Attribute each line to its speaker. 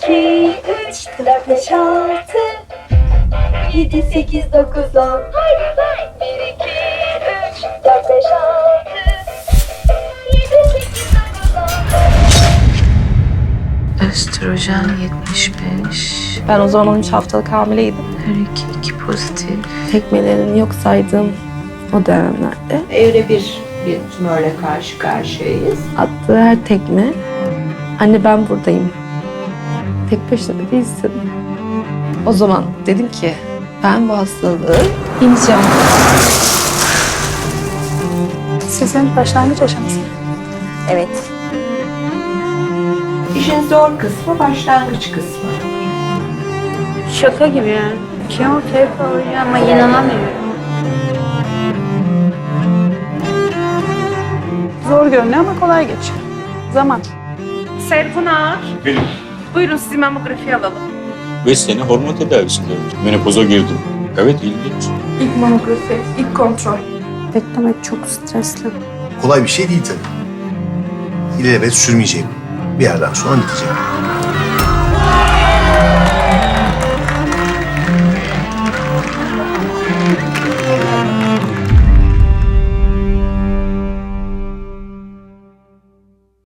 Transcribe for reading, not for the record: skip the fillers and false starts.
Speaker 1: 2, 3, 4, 5, 6, 7, 8, 9, 10. 1, 2, 3, 4, 5, 6, 7, 8, 9, 10.
Speaker 2: Östrojen 75.
Speaker 3: Ben o zaman 13 haftalık hamileydim.
Speaker 2: Her iki pozitif.
Speaker 3: Tekmelerini yok saydığım o dönemlerde
Speaker 4: Evre bir tümörle karşı karşıyayız.
Speaker 3: attığı her tekme, anne ben buradayım, tek başına değilsin. O zaman dedim ki ben bu hastalığı yeneceğim.
Speaker 5: Sizin başlangıç aşaması.
Speaker 3: Evet.
Speaker 4: İşin zor kısmı başlangıç kısmı.
Speaker 5: Şaka gibi yani. Kemoterapi alacağım ama inanamıyorum. Zor görünüyor ama kolay geçiyor. Zaman.
Speaker 3: Serpınar,
Speaker 6: Benim
Speaker 3: buyurun sizi mamografi alalım.
Speaker 6: 5 sene hormon tedavisindeyim. Menopoza girdim. Evet, ilginç.
Speaker 3: İlk mamografi, ilk kontrol. Beklemek çok stresli.
Speaker 7: Kolay bir şey değil tabii. İlelebet sürmeyecek. Bir yerden sonra bitecek.